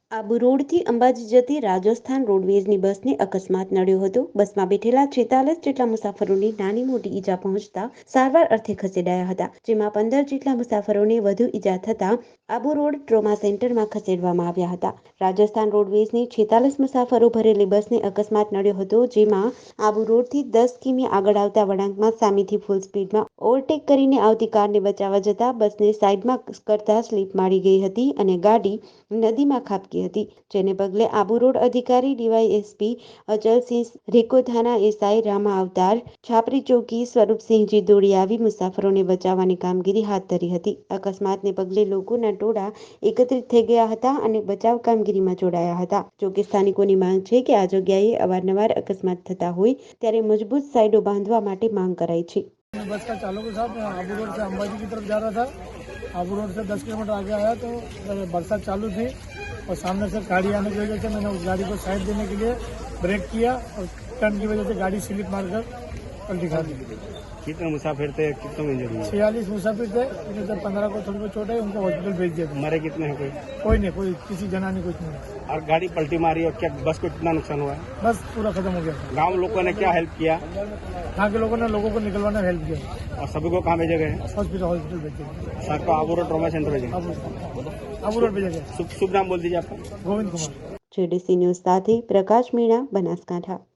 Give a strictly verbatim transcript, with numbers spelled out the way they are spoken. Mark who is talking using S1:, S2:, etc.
S1: આબુ રોડથી અંબાજી જતી રાજસ્થાન રોડવેઝની બસને અકસ્માત નડ્યો હતો. બસમાં બેઠેલા છેતાલીસ જેટલા મુસાફરોને નાની મોટી ઈજા પહોંચતા સારવાર અર્થે ખસેડાયા હતા, જેમાં પંદર જેટલા મુસાફરોને વધુ ઈજા થતા આબુ રોડ ટ્રોમા સેન્ટરમાં ખસેડવામાં આવ્યા હતા. રાજસ્થાન રોડવેઝની છેતાલીસ મુસાફરો ભરેલી બસને અકસ્માત નડ્યો હતો, જેમાં આબુ રોડથી દસ કિમી આગળ આવતા વળાંકમાં સામેથી ફૂલ સ્પીડમાં ઓવરટેક કરીને આવતી કારને બચાવવા જતા બસને સાઈડમાં કરતા સ્લીપ મારી ગઈ હતી અને ગાડી નદીમાં ખાબકી હતી, જેને પગલે આબુ રોડ અધિકારી ડીવાયએસપી અચલસિંહ, રેકો થાના એસઆઈ રામા અવતાર, છાપરી ચોકી સ્વરૂપસિંહજી દોડી આવી મુસાફરોને બચાવવાની કામગીરી હાથ ધરી હતી. અકસ્માતને પગલે લોકોના ટોળા એકત્રિત થઈ ગયા હતા અને બચાવ કામગીરીમાં જોડાયા હતા. જોકે સ્થાનિકોની માંગ છે કે આ જગ્યાએ અવારનવાર અકસ્માત થતા હોય ત્યારે મજબૂત સાઈડો બાંધવા માટે માંગ કરાઈ છે.
S2: बस का चालक साहब आबू रोड से अंबाजी की तरफ जा रहा था। आबू रोड से दस किलोमीटर आगे आया तो बरसात चालू थी और सामने से गाड़ी आने की वजह से मैंने उस गाड़ी को साइड देने के लिए ब्रेक किया और टर्न की वजह से गाड़ी स्लिप मारकर पलटी खा दी।
S3: कितने मुसाफिर थे, कितने में इंजर्ड हुए?
S2: छियालीस मुसाफिर थे, इनमें से पंद्रह को थोड़ी बहुत चोट है, उनको हॉस्पिटल भेज दिया।
S3: मरे कितने हैं कोई?
S2: कोई नहीं, कोई किसी जना ने कुछ नहीं।
S3: और गाड़ी पलटी मारी और क्या बस को कितना नुकसान हुआ है?
S2: बस पूरा खत्म हो गया।
S3: गांव लोगों ने क्या हेल्प किया?
S2: यहाँ के लोगों ने लोगों को निकलवाने में हेल्प किया
S3: और सभी को कहाँ भेजे गए?
S2: हॉस्पिटल हॉस्पिटल भेज दिया।
S3: सर को आबू रोड ट्रॉमा सेंटर भेजे?
S2: आबू रोड भेजा गया।
S3: शुभ शुभ नाम बोल दीजिए आपका।
S2: गोविंद कुमार।
S1: जेडीसी न्यूज साथी प्रकाश मीणा, बनासकांठा।